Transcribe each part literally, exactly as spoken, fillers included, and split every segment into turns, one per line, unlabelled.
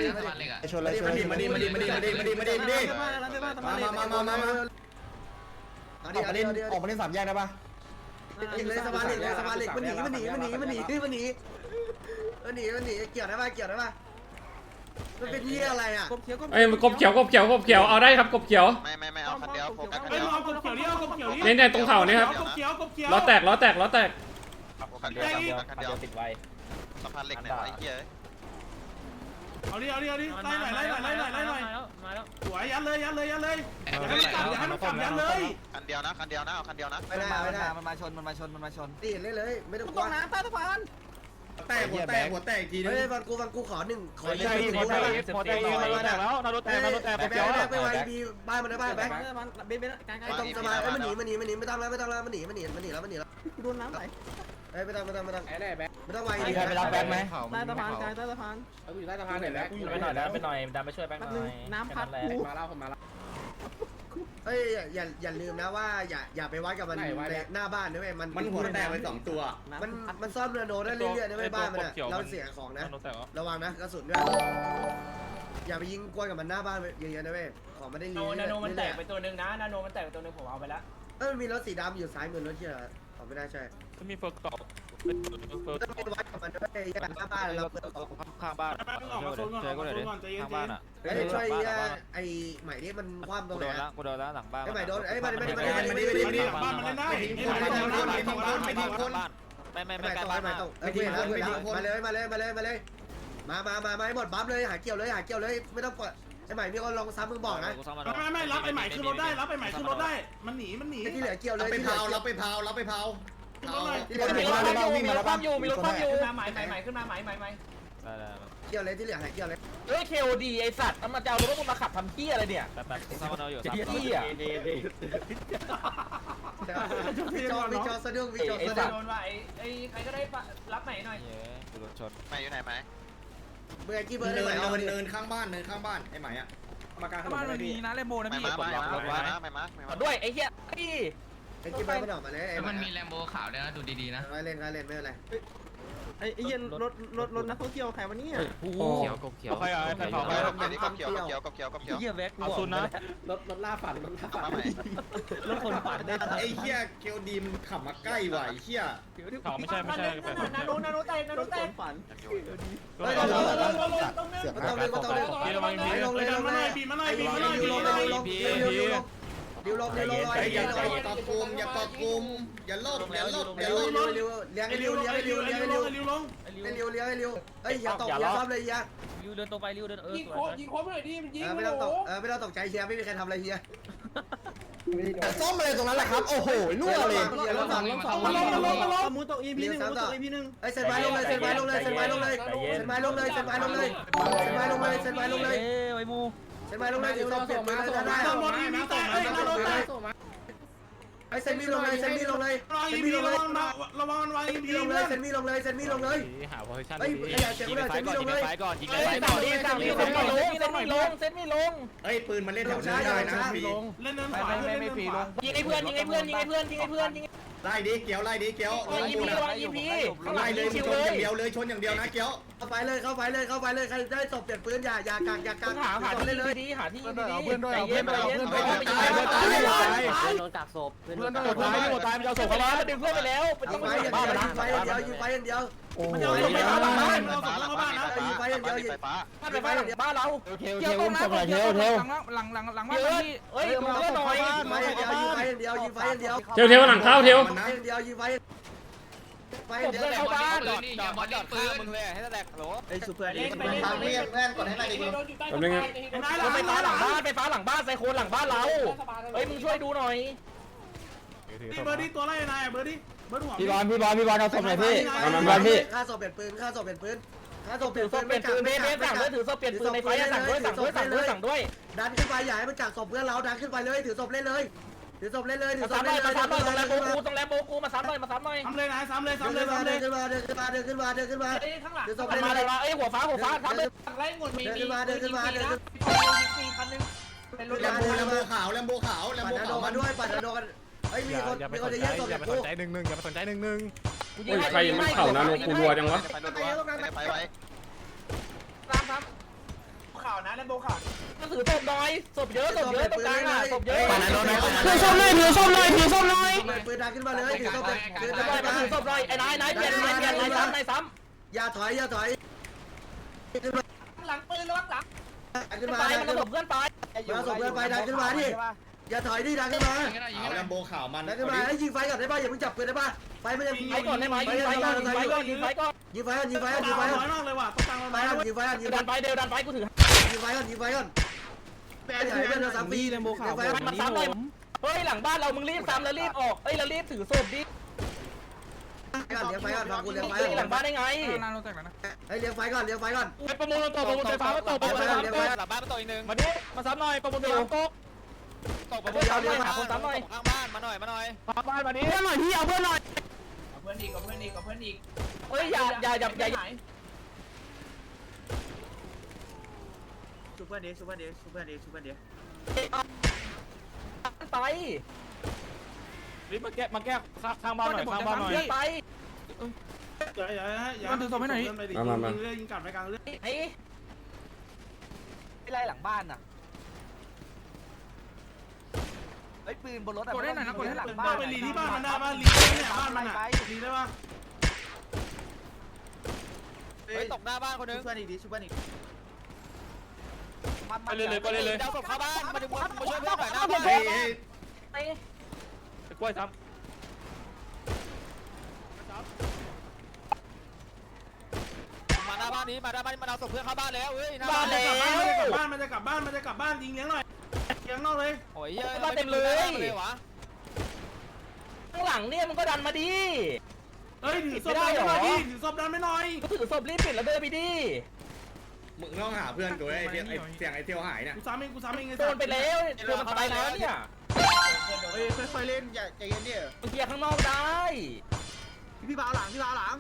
ชนเลยชนมาดิมาดิมาดิมาดิมาดิมาดิมาดิมามามามามาออกมาเล่นออกมาเล่นสามแยกได้ปะยิงเลยสะพานเหล็กเลยสะพานเหล็กมันหนีมันหนีมันหนีมันหนีมันหนีมันหนีมันหนีเกี่ยวได้ปะเกี่ยวได้ปะมันเป็นที่อะไรอ่ะ
เอ้ยกบเขียวกบเขียวกบเขียวเอาได้ครับกบเขียว
ไม่ไม่ไม่เอาคันเดียวโฟกัสคันเดียว
กบเขียวนี่เอากบเขียวนี่
เนี่ยเนี่ยตรงเข่านี่ครับ
กบเขียวกบเขียว
ล้อแตกล้อแตกล้อแตก
คันเดียวคันเดียวติดไว้สะพานเหล็กเนี่ยไอ้เหี้ย
เอาดิเอาดิเอาดิไล่หน่อยไล่หน่อยไล่หน่อยไล่หน่อยมาแล้วสวยยัดเลยยัดเลยยัดเลยอย่าให้มันกลับอย่าให้มันกลับยัดเลย
คันเดียวนะคันเดียวนะเอาคันเดียวนะ
ไม่ได้ไม่ได้
มันมาชนมันมาชนมันมาชน
ตีเลยเลยไม่ต้องกลัว
ตกน้ำใต้สะพาน
แตกหัวแตกหัวแตกทีนึงเฮ้ยฟังกูฟังกูขอหนึ่งขอใจหนึ่งขอใจ
ขอใจมาแล้วนาโรแตกนาโรแตก
ไปแบงค์ไปไว้บีบ้านมันได้บ้านแบงค์เบนเบนไอ้ตรงสบายมันหนีมันหนีมันหนีไม่ต้องแล้วไม่ต้องแล้วมันหนีมันหนีมันหนีแล้วมันหนีแล้ว
โดนน้ำไหล
เอ้ยไม่ต้องไม่ต้องไม่ต้องไม่ต้องไว
มีใครไปรับแบงค์ไหมใต้สะพานใต้สะพาน
เอาอยู่ใต้สะพานหน่อยแล้ว
ไปหน่อยแล้วไปหน่อยดันไปช่วยแบงค์หน่อยน้ำพัด
มาเล่าผมมาเล่าเฮ้ยอย่าอย่าลืมนะว่าอย่าอย่าไปวัดกับมันหน้าบ้านนะเว้ยมันมันหัวแตกไปสองตัวมันมันซ่อมเรือโนได้เรื่อยๆนะเว้ยบ้านมันอะเราเสียของนะระวังนะกระสุนด้วยอย่าไปยิงกล้วยกับมันหน้าบ้านเยอะๆนะเว้ยของมันได้รี
นาโนมันแตกไปตัวนึงนะนาโนมันแตกไปตัวนึงผมเอาไปแล้ว
เออมีรถสีดำอยู่ซ้ายมือรถที่เหรอของไม่ได้ใช่
ก็มีเฟิร์กต่อ
ต้องไปวัดกับมันด้วยหน้าบ้านเราเปิด
ข้างบ้าน
ออกมาโซนก่อนออกมาโซนก่อนใจเย็นๆข้างบ้านอ่ะ
ไอ้ช่วยไอ้ใหม่นี่มันคว่ำตรงไหน
กูโดนละกูโดนละหลังบ้าน
ไอ้ใหม่โดนไอ้มันมันมันมันมัน
มันหลังบ้านมันเล่นได้ไม่ทิ้งคนไม่ทิ้งคนไม่ทิ้งคน
ไม่ไม่ไม่ใกล้บ้านมา
ไม่ทิ้งคนไม่ทิ้งคนมาเลยมาเลยมาเลยมาเลยมามามามาให้หมดบัฟเลยหาเกี่ยวเลยหาเกี่ยวเลยไม่ต้องเปิดไอ้ใหม่มีคนลองซ้ำมึงบอกนะ
ไม่ไม่รับไอ้ใหม่ขึ้นรถได้รับไอ้ใหม่ขึ้นรถได้มันหนีมันหนี
ที่เหลือเกี่ยวเลย
ไปเผาเราไปเผาเราไปเผา
มีรถความอยู่มีรถความอยู่มีรถความอยู่
ขึ้นมาใหม่ใหม่ใหม่ขึ้นมาใหม่ใหม่ใหม่
เกี่ยวเลยที่เหลือหาเกี่ยวเลย
เฮ้ยเคโอดีไอสัตว์มันจะเอารถพวกมึงมาขับทำเที่ยอะไรเนี่ย
แป๊บแป๊บซ้ำเราอยู่
ซ้ำเที่ย
วิจอวิจอสะดุ้งวิจอสะดุ้ง
โดนว่าไอ้ไอ้ใครก็ได้รับใหม่หน่อย
รถชนไม่อยู่ไหนไหม
เบอร์กี่เบอร์ได้
เนิ
ไหม
นเนินข้างบ้านเนินข้างบ้านไอ้ใหม่อะ
มากลางถนนไม่มีนะเลโมนะพี่
ไม่มาไม่มาไม่มาไม่มา
ด้วยไอ้เหี้ยพี่
ไอ้กี่เบอร์มันออกมาเลย
มันมีแลมโบขาวด้วยนะดูดีๆนะ
ไว้เล่นไว้เล่นไม่เป็นไร
ไอ้ไอ้เย็นรถรถรถนักท่องเที่ยวใครวะเนี่ย
เขียวกบเขียว
ใครอ่ะใครเผาใครเขียวเขียวเขียวเขียวเขียว
เหี้ยแว็ก
เอาซุนนะรถรถล่าฝันรถล่าฝัน
รถคนฝันได้
ไอ้เหี้ยเกียวดีมันขับมาใกล้ว่ะไอ้เหี้ย
เขาไม่ใช่ไม่ใช่
นาโนนาโนแตกนาโนแตก
ฝัน
เฮ้ยลงลงลงลงต้องเลือกต้องเลือกต้องเลือก
บีมาหน่อยลงเลยลงเลยบีมาหน่อยบีมาหน่อยบีมาหน่อย
ดิวลงดิวลง
อย่าอย่าเกาะกลุ่มอย่าเกาะกลุ่มอย่าโลภอย่าโลภอย่าโลภ
เลี้ยวเลี้ยงเลี้ยวเลี้ยงเลี้ยวเลี้ยงเลี้ยวเลี้ยวลงเลี้ยวเลี้ยวเลี้ยวเฮ้ยอย่าตกอย่าซ้ำเลยอย่า
ริวเดินตรงไปริวเดินเออ
ยิงโคยิงโคไปหน่อยดิมันยิง
ไม่ต้องตกเออไม่ต้องตกใจเฮียไม่มีใครทำอะไรเฮีย
ซ่อมอะไรตรงนั้นแหละครับโอ้โหรั่วเลย
ล้มสองล้มสองล้มล้มล้มล้มมูตกอีพีหนึ่งมูตกอีพีหนึ่งไอ้เซนไม้ลงเลยเซนไม้ลงเลยเซนไม้ลงเลยเซนไม้ลงเลยเซนไม้ลงเลยเซนไม้ลงเลยเซนไม้ลงเลย
ไอ้มู
เซนไม้ลงเลยถึงต้องเปลี่ยนปืนเลยได้
ต้องรถอีพีแตกไอ้นาโนแตก
ไอ้เซนมีลงเลยเซนมีลงเลยเซนมีลงเลย
ระวังระวังอีพี
ลงเลยเซนมีลงเลยเซนมีลงเลย
หาโพซิชั่น
เฮ้ยอย่าเจ็บเลยเซนมีลงเลย
ก่อนยิงเลยไปก่อนยิงสั่งยิงเซนไม่ลงเซนไม่ลงเซนไม่ลง
เฮ้ยปืนมันเล่นแถวนี้ได้นะพี่
เล่นเนินขวาไม่ไม่ฟรีลง
ยิงไอ้เพื่อนยิงไอ้เพื่อนยิงไอ้เพื่อนยิงไอ้เพื่อนยิง
ไล่ดิเกี้ยวไล่ดิเกี้ยว
ระวังอีพีระวังอีพี
ไล่เลยชนอย่างเดียวเลยชนอย่างเดียวนะเกี้ยว
เข้าไปเลยเข้าไปเลยเข้าไปเลยใครได้ตบเปลี่ยนปืนอย่าอย่ากางอย่ากาง
หาหาที่เลยดีหาที่ดี
เอาเพื่อนด้วยเอาเพื่อนด้วยเอาเพื่อนด้วย
ตายตายตายโดนกักศพเพื่อนโดนตายโดนตายมันจะศพเขาแล้วดึงเพื่อนไปแล้ว
ยิงไฟอย่างเดียวยิงไฟอย่างเดียวยิงไฟอย่างเดียว
มันจะเอาศพไปบ้านหลังบ้านมันเอาศพเข้าบ้านนะ
ยิงไฟอย่างเดียวยิง
บ้านไปบ้านบ้านเรา
เทลเทลอุ้มศพหน่อยเทลเทลหลังหลังหลังบ้านพี่
เฮ้ยดูเพื่อนหน่อย
ยิงไฟอย่างเดียวยิงไฟอย่างเดียวยิงไฟอย่างเดียว
เทลเทลหลังเข้าเทล
อย่างเดียวยิงไฟไฟเดียว
เข้าบ้าน
อย่าบอลยิงปืน
มึงเลยให้แตกโหล
ไอ้สุเพื่อน
ไปเล่นไปเล่นเพื่อนกดให้หน่อยดิ
แป๊บนึง
ไปฟ้าหลังบ้านไปฟ้าหลังบ้านไซโคนหลังบ้านเราเฮ้ยมึงช่วยดูหน่อย
นี่เบอร์ดี้ตัวไรนายเบอร์ดี้เบอร์หัว
พี่บอลพี่บอลพี่บอลเอาศพหน่อยพี่พี่บอลพี่
ค่าศพเปลี่ยนปืนค่าศพเปลี่ยนปืนค่าศพเปลี่
ถื
ย
อน ศพเปลี่ยนปืนเบสเบสสั่งด้วยถือศพเปลี่ยนปืนในไฟสั่งด้วยสั่งด้วยสั่งด้วยสั่งด้วย
ดันขึ้นไปอย่าให้มันกักศพเพื่อนเราดันขึ้นไปเลยถือศพเล่นเลยถือศพเล่นเลยถือศพเล่นเลย
มาซ้ำหน่อยตรงแรมโบกูตรงแรมโบกูมาซ้ำหน่อยมาซ้ำหน่อย
ซ้ำเลยนะซ้ำเลยซ้ำเลยซ้ำเลย
เดินขึ้นมาเดินขึ้นมาเดินขึ้นมาเดินขึ้นมา
ข้างหลัง
ถือศพ
มา
เล่น
เล
เลย ย
เอ้ยหัวฟ้าหัวฟ้าซ้ำเลย
ไล่หมดมี
เดินขึ้นมาเดินขึ้นมาเดินขึ้น
มีคันนึงเป็นรถ
แลมโบแลมโบขาวแลมโบขาวแลม
ปัด
โบ
นาโด
ขาว
มาด้วยปัดนาโดกันเฮ้ยมีคนมีคนจะแย่งศพจากกู
ใจหนึ่งหนึ่งอย่าไปสนใจหนึ่งหนึ่ง
โอ้ยใครมันเข่านาโนกูรัวจังวะ
ไปไว้
ซ้ำซ้ำ
าวนะเล่นโบขาว
ก็ถือศพหน่อยศพเยอะศพเยอะตรงกลางอ่ะศพเยอะ
ถือส้มหน่อยถือส้มหน่อยถือส้มหน่อย
ปืนดังขึ้นมาเลยถือต้องปืน
ถื
ดั
อง ศพ
ขึ้นมา
ถือศพหน่อยไอ้นายนายเปลี่ยนนายเปลี่ยนนายซ้ำนายซ้
อย่าถอยอย่าถอยขึ้นมา
หลังปืนระวังหลัง
ำ
ขึ้น
ขึ้น
มา
ไปมันระบบเพื่อนไป
มาส่งเพื่อนไปดังขึ้นมาดิอย่าถอยดิดังขึ้นมา
เอาแลมโบข่าวมัน
ดังขึ้นมาให้ยิงไฟก่อนได้ป่ะอย่าเพิ่งจับปืนได้ป่ะไฟมันจะ
ไปก่อนได้ไหมยิงไฟก่อนยิงไฟก่อนยิงไฟก่อน
ยิงไฟก่อนยิงไฟก่อนยิงไฟ
น้
ก่อน
อยมากเลยว่ะต้องตัง
ไฟ
น้อย
ก่อนยิงไฟก่อนยิงไฟ
ดันไปเดี๋ยวดันไปกูถือ
ยิงไฟก่อนยิงไฟก่อนแม่ถ่ายเป็นสามปีเลยโมขาว
มันซ้ำเลยเฮ้ยหลังบ้านเรามึงรีบซ้ำแล้วรีบออกเอ้ยแล้วรีบถือศพดิ
ก่อนเลี้ยงไฟก่อนฟังกูเลี้ยงไฟ
หลังบ้านได้ไง
นานเราแตกแล้วนะ
ให้เลี้ยงไฟก่อนเลี้ยงไฟก่อน
ไปประมูลตัวประมูลไฟฟ้ามาตกประมูลไฟฟ้าตก
หลังบ้านมาต่ออีกนึง
มาดิมาซ้ำหน่อยประมูลไฟฟ้าตก
ตกประมูลหาคนซ้ำหน่อยข้างบ้านมาหน่อยมาหน่อย
บ้านมาดิ
เพื่อนหน่อยพี่เอาเพื่อนหน่อย
เอาเพื่อนอีกเอาเพื่อนอีกเอาเพื่อนอีก
เฮ้ยอย่าอย่าอย่าอย่า
ชูเพื่อนดิชูเพื่อนดิชูเพื่อนดิชูเพื่อนดิ
ไปรีบมาแก้มาแก้ข้างบ้านหน่อยข้างบ้านหน่อยไป
อย่าอย่าอย่ายิงกัดไปกลางเรื่อง
ไอ้ไล่หลังบ้านน่ะ
ไอ้ปืนบนรถอะ
กดได้หน่อยนะกดได้หลัง
บ้านไปรีที่บ้านมันได้บ้านรีเนี่ยบ้านมันอ่ะรีได้ป่ะ
เฮ้ยตกหน้าบ้านคนนึง
ชูเพื่อนอีกดิชูเพื่อนอีก
ไปเลยเลยไปเลยเลย
เจ้าศพเข้าบ้านมาดูมาช่วยเพื่อนหน่อยหน้าบ้าน
ไอ้กล้วยซ้ำ
มาหน้าบ้านนี้มาหน้าบ้านมาเอาศพเพื่อนเข้าบ้านแล้วเฮ้ยหน้า
บ้า
บ้าน น
มันจะกลับบ้านมันจะกลับบ้านมันจะกลับบ้านยิงเลี้ยงหน่อยเลี้ยงนอกเลย
โอ้ยเยอะเลยวะ
ข้างหลังเนี่ยมันก็ดันมาดิ
เฮ้ยถือศพดันไม่หน่อยดิถือศพดันไม่หน่อย
ก็ถือศพรีบปิดแล้วเดินไปดิ
มึงต้องหาเพื่อนตัวไอ้เสียงไอ้เที่ยวหายเนี่ย
กูซ้ำเองกูซ้ำเอง
โดนไปแล้วโดนมันไปแล้วเนี่ย
เฮ้ยค่อยๆเล่นอย่าใจเย็นดิ
มันเคลียร์ข้างนอกได้
พี่บาหลังพี่บาหลัง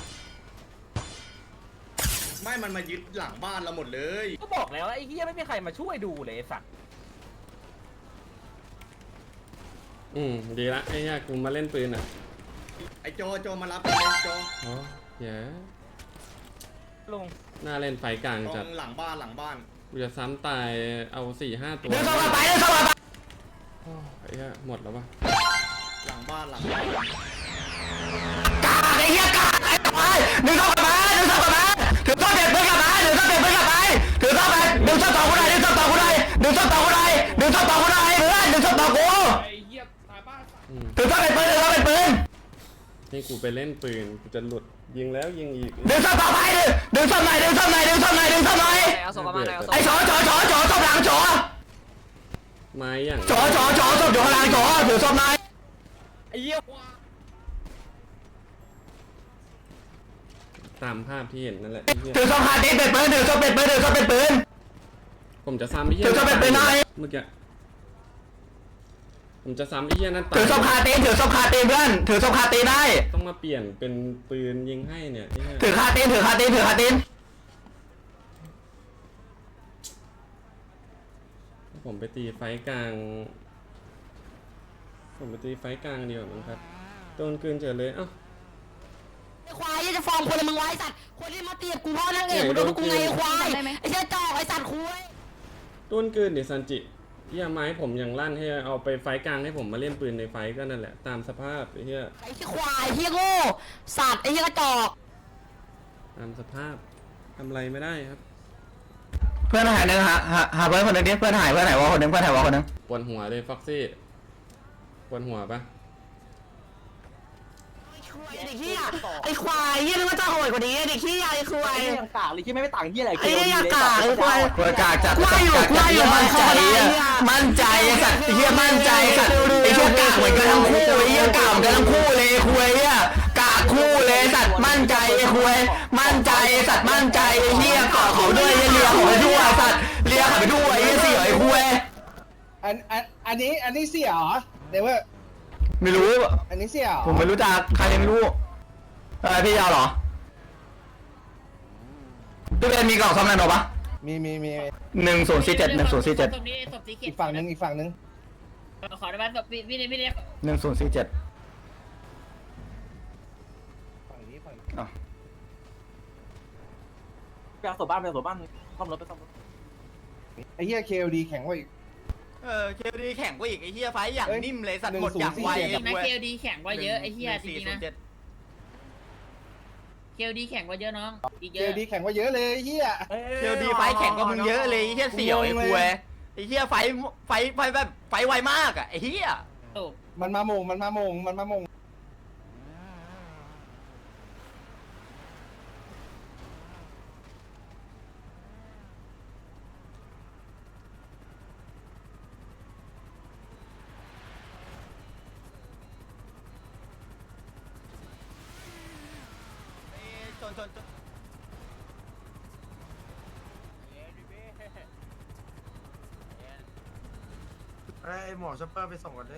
ไม่มันมายึดหลังบ้านเราหมดเลย
ก็บอกแล้วไอ้เหี้ยไม่มีใครมาช่วยดูเลยสัตว์
อืมดีละไอ้เนี่ยกูมาเล่นปืนอ่ะ
ไอ้โจโจมารับเลยโจ
อ๋อเหี้ย
ลง
น่าเล่นไฟกลาง
ตร
จัด
งหลังบ้านหลังบ้าน
กูจะซ้ำตายเอาสี่ห้าตัว
เดินเข้ามาไปเดินเข้ามาไป
โอ้ไอ้เหี้ยหมดแล้ววะ
หลังบ้านหลังบ้าน
กาไอ้เหี้ยกาไอ้ควายดึงเข้ามาดึงเข้ามาถือต้นเด็ดเพื่อนกลับมาถือต้นเด็ดเพื่อนกลับไปถือต้นไปดึงต้นต่อกูได้ดึงต้นต่อกูได้ดึงต้นต่อกูได้ดึงต้นต่อกูได้เพื่อนดึงต้นต่อกู
อืม
ถือต้นเป็นปืนถือต้นเป็นปืน
นี่กูไปเล่นปืนกูจะหลุดยิงแล้วยิงอีก
ดึงต้นต่อไปดึงดึงต้นไหนดึงต้นไหนดึงต้นไหนดึงต้นไหน
เอาศพมาเอาศพ
ไอ้จอจอจอจอต้นหลังจอ
ไม้อย่าง
จอจอจอศพอยู่ข้างหลังจอถือศพนาย
ไอ้เหี้ย
ตามภาพที่เห็นนั่นแหละไอ้เหี้ย
ถือศพคาตีเป็นปืนถือศพเป็นปืนถือศพเป็นปืน
ผมจะซ้ำไอ้เหี้ย
ถือศพเป็นปืนหน่อย
เมื่อกี้ผมจะซ้ำไอ้เหี้ยนั่นตาย
ถือศพคาตีถือศพคาตีเพื่อนถือศพคาตีได้
ต้องมาเปลี่ยนเป็นปืนยิงให้เนี่ยไอ้เหี้ย
ถือคาตีถือคาตีถือคาตี
ผมไปตีไฟกลาง ผมไปตีไฟกลางเดียวมั้งครับโดนกลืนเฉยเลยเอ้า
ไอ้ควายจะฟ้องคนละมึงไว้สัตว์คนที่มาเตียบกูพ่อนั่งเองกูโดนกูไงไอ้ควายไอ้เจ้าจอกไอ้สัตว์คุย
โดนกลืนดิซันจิเหี้ยไม้ผมยังลั่นให้เอาไปไฟกลางให้ผมมาเล่นปืนในไฟก็นั่นแหละตามสภาพไอ้เหี้ย
ไอ้ที่ควายเฮียโง่สัตว์ไอ้เฮียกระจอก
ตามสภาพทำอะไรไม่ได้ครับ
เพื่อนหายหนึ่งหาหาหาเพื่อนคนหนึ่งดิเพื่อนหายเพื่อนหายวอคนหนึ่งเพื่อนหายวอคนหนึ่ง
ปวดหัวเลยฟ็อกซี่ปวดหัวปะ
ไอ้เฮียไอ้ควายเฮียนึกว่าจะโหดกว่านี้ไอ้เฮียไอ้ควาย
ยังกากเลยที่ไม่ไปต่างเหี้ยอะไร
ไอ้เฮียกากไอ้ควายควายกากจัดควายอยู่ควายอยู่มั่นใจมั่นใจสัตว์เฮียมั่นใจสัตว์ไอ้เฮียกากเหมือนกันทั้งคู่ไอ้เฮียกากเหมือนกันทั้งคู่เลยคุยเฮียกากคู่เลยสัตว์มั่นใจไอ้คุยมั่นใจสัตว์มั่นใจไอ้เฮียกอดเขาด้วยเลียเขาไปด้วยสัตว์เลียเขาไปด้วยไอ้เสียไอ้คุย
อันอันอันนี้อันนี้เสี่ยเหรอเดี๋ยวว่า
ไม่รู้
อันนี้เสี่ย
ผมไม่รู้จักใครไม่รู้เออพี่ยาวเหรอพี่เป็นมีกล่องซ่อมแรงหรอปะ
มีมีมี
หนึ่งศูนย์สี่เจ็ดหนึ่งศูนย์สี่เจ็ด
ศพนี้ศพสีเขีย
อี
ว
กฝั่งนึงอีกฝั่งนึง
ขอได้ไหมศพพี่พี่นี่พี่นี่
หนึ่งศูนย์สี่เจ็ด
ฝั่งนี้ฝั่งนี้
ไปเอาศพบ้านไปเอาศพบ้านซ่อมรถไปซ่อมรถ
ไอ้เหี้ยเคลดีแข็งกว่าอีก
เออเคดีแข่งกว่าอีกไอ้เหี้ยไฟอย่างนิ่มเลยสัตว์หมด
หนึ่
อง
ศู
ย่าน ง
ย์สี่
ไว
เจ็ด
นะเคลดีแข่งกว่าเยอะไอ้เหี้ยจริงๆนะเคลดีแข่งกว่าเยอะน้องอีกเย
เคล
อะ
ดีแข็งกว่าเยอะเลยไอ้เหี้ย
เคดีไฟแข่งกว่ามึงเยอะเลยไอ้เหี้ยเสี่ยวไอ้คุยไอ้เหี้ยไฟไฟไฟแบบไฟไวมากอ่ะไอ้เหี้ย
ถูก
มันมาโมงมันมาโมงมันมาโมง
ชนชนชน
ไอ้หมอช็อปเปอร์ไปส่งก่อนดิ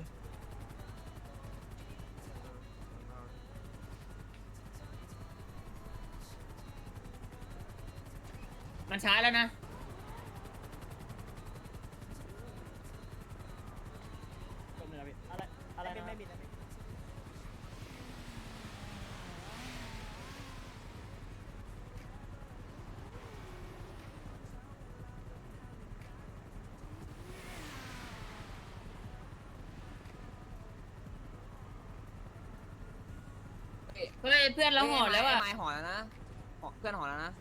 มันช้าแล้วนะเฮ้ยเพื่อนเราห่อแล้วอ่ะ
ไม้ห่อแล้วนะเพื่อนห่อแล้วนะ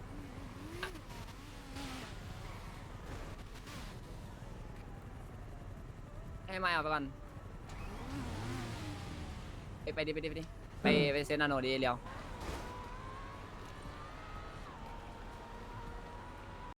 ให้ไม้เอาไปก่อนไปไปดิไปดิไปดิไปไปเซนนาโนดีเรียว